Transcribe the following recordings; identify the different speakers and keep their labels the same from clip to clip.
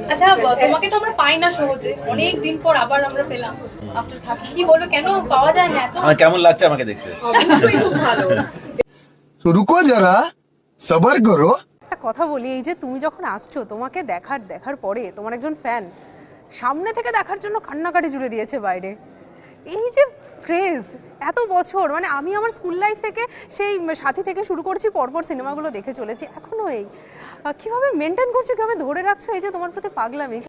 Speaker 1: আচ্ছা তোমাকে তো আমরা পাই না সহজে, অনেক দিন পর আবার আমরা পেলাম আফটার খাকি। কি বলবো, কেন পাওয়া যায় না এত?
Speaker 2: আমার কেমন লাগছে আমাকে দেখতে?
Speaker 1: অবশ্যই খুব ভালো।
Speaker 3: তো রুকো যারা, সবার করো।
Speaker 4: একটা কথা বলি, এই যে তুমি যখন আসছো, তোমাকে দেখার পরে তোমার একজন ফ্যান সামনে থেকে দেখার জন্য কান্নাকাটি জুড়ে দিয়েছে বাইরে। এই যে ক্রেজ এত বছর, মানে আমি আমার স্কুল লাইফ থেকে সেই সাথী থেকে শুরু করছি, পরপর সিনেমাগুলো দেখে চলেছি, এখনো এই কিভাবে মেনটেন করছো, কিভাবে ধরে রাখছো এই যে তোমার প্রতি পাগলামি?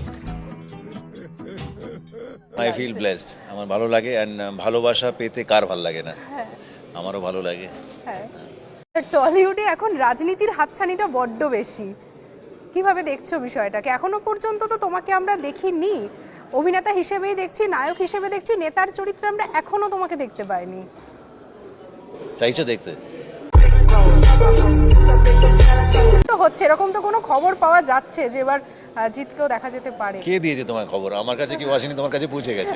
Speaker 2: আই ফিল ব্লেসড, আমার ভালো লাগে। এন্ড ভালোবাসা পেতে কার ভালো লাগে না? আমারও ভালো লাগে।
Speaker 4: হ্যাঁ, টলিউডে এখন রাজনীতির হাতছানিটা বড্ড বেশি। কিভাবে দেখছো বিষয়টাকে? এখনো পর্যন্ত তো তোমাকে আমরা দেখিনি, অভিনেতা হিসেবেই দেখছি, নায়ক হিসেবে দেখছি, নেতার চরিত্রে আমরা এখনো তোমাকে দেখতে পাইনি।
Speaker 2: চাইছো দেখতে?
Speaker 4: তো হচ্ছে এরকম তো কোনো খবর পাওয়া যাচ্ছে যে এবার জিতকেও দেখা যেতে পারে?
Speaker 2: কে দিয়েছে তোমার খবর? আমার কাছে কেউ আসেনি, তোমার কাছে পৌঁছে গেছে।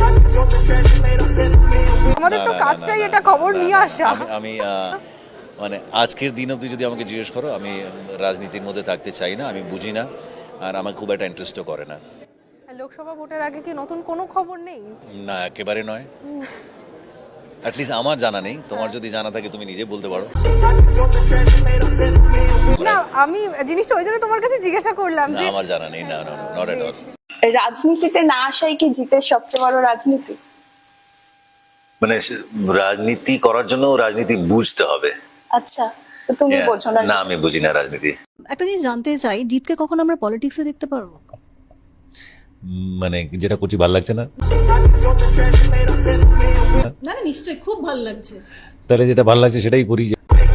Speaker 4: আমাদের তো
Speaker 2: না, না,
Speaker 4: কাজটাই
Speaker 2: না,
Speaker 4: এটা,
Speaker 2: না,
Speaker 4: খবর
Speaker 2: না,
Speaker 4: নিয়ে
Speaker 2: না,
Speaker 4: আসা।
Speaker 2: আমি মানে আজকের দিন অবধি যদি আমাকে জিজ্ঞেস করো, আমি রাজনীতির মধ্যে থাকতে চাই না, আমি বুঝি না, আর আমার খুব একটা ইন্টারেস্টও করে না।
Speaker 4: লোকসভা ভোটের আগে কি নতুন কোনো খবর নেই?
Speaker 2: না, একেবারে নয়। অ্যাটলিস্ট আমার জানা নেই। তোমার যদি জানা থাকে তুমি নিজে বলতে পারো।
Speaker 4: না, আমি জিনিসটা ওই জন্য তোমার কাছে জিজ্ঞাসা করলাম
Speaker 2: না,
Speaker 4: যে
Speaker 2: আমার জানা নেই। না, নট এট অল।
Speaker 5: রাজনীতিতে না আসাই কি জিতের সবচেয়ে বড় রাজনীতি?
Speaker 6: মানে রাজনীতি করার জন্য রাজনীতি বুঝতে হবে।
Speaker 5: আচ্ছা, তো তুমি বোঝো না?
Speaker 6: না, আমি বুঝি না রাজনীতি।
Speaker 7: একটা জিনিস জানতে চাই, জিতকে কখন আমরা পলিটিক্সে দেখতে পারবো?
Speaker 2: মানে যেটা করছি ভালো লাগছে না?
Speaker 7: না না, নিশ্চয়ই খুব ভালো লাগছে।
Speaker 2: তাহলে যেটা ভালো লাগছে সেটাই করি।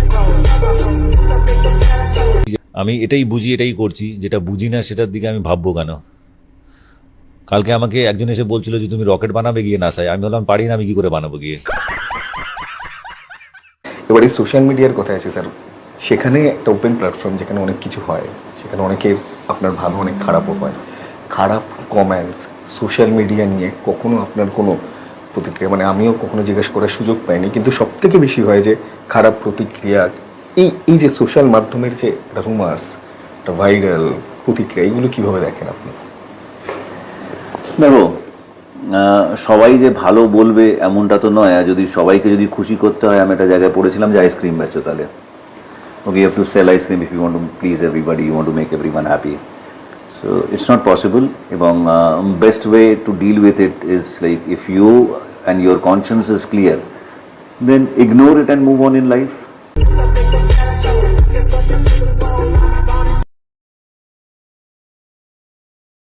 Speaker 2: আমি এটাই বুঝি, এটাই করছি। যেটা বুঝি না সেটার দিকে আমি ভাববো কেন? কালকে আমাকে একজন এসে বলছিল যে তুমি রকেট বানাবে গিয়ে নাসায়। আমি বললাম পারি না, আমি কি করে বানাবো গিয়ে?
Speaker 8: এবার এই সোশ্যাল মিডিয়ার কথা আছে স্যার, সেখানে একটা ওপেন প্ল্যাটফর্ম, যেখানে অনেক কিছু হয়, সেখানে অনেকে আপনার ভালো, অনেক খারাপও হয়। খারাপ কমেন্টস সোশ্যাল মিডিয়া নিয়ে কখনো আপনার কোনো প্রতিক্রিয়া, মানে আমিও কখনো জিজ্ঞেস করার সুযোগ পাইনি, কিন্তু সব থেকে বেশি হয় যে খারাপ প্রতিক্রিয়া। এই যে সোশ্যাল মাধ্যমের যে রুমার্স, একটা ভাইরাল প্রতিক্রিয়া, এগুলো কিভাবে দেখেন আপনি?
Speaker 6: দেখো, সবাই যে ভালো বলবে এমনটা তো নয়। আর যদি সবাইকে যদি খুশি করতে হয়, আমি একটা জায়গায় পড়েছিলাম যে আইসক্রিম বেচো, তাহলে okay, you have to sell ice cream if you want to please everybody, you want to make everyone happy. So it's not possible. এবং best way to deal with it is like if you and your conscience is clear, then ignore it and move on in life.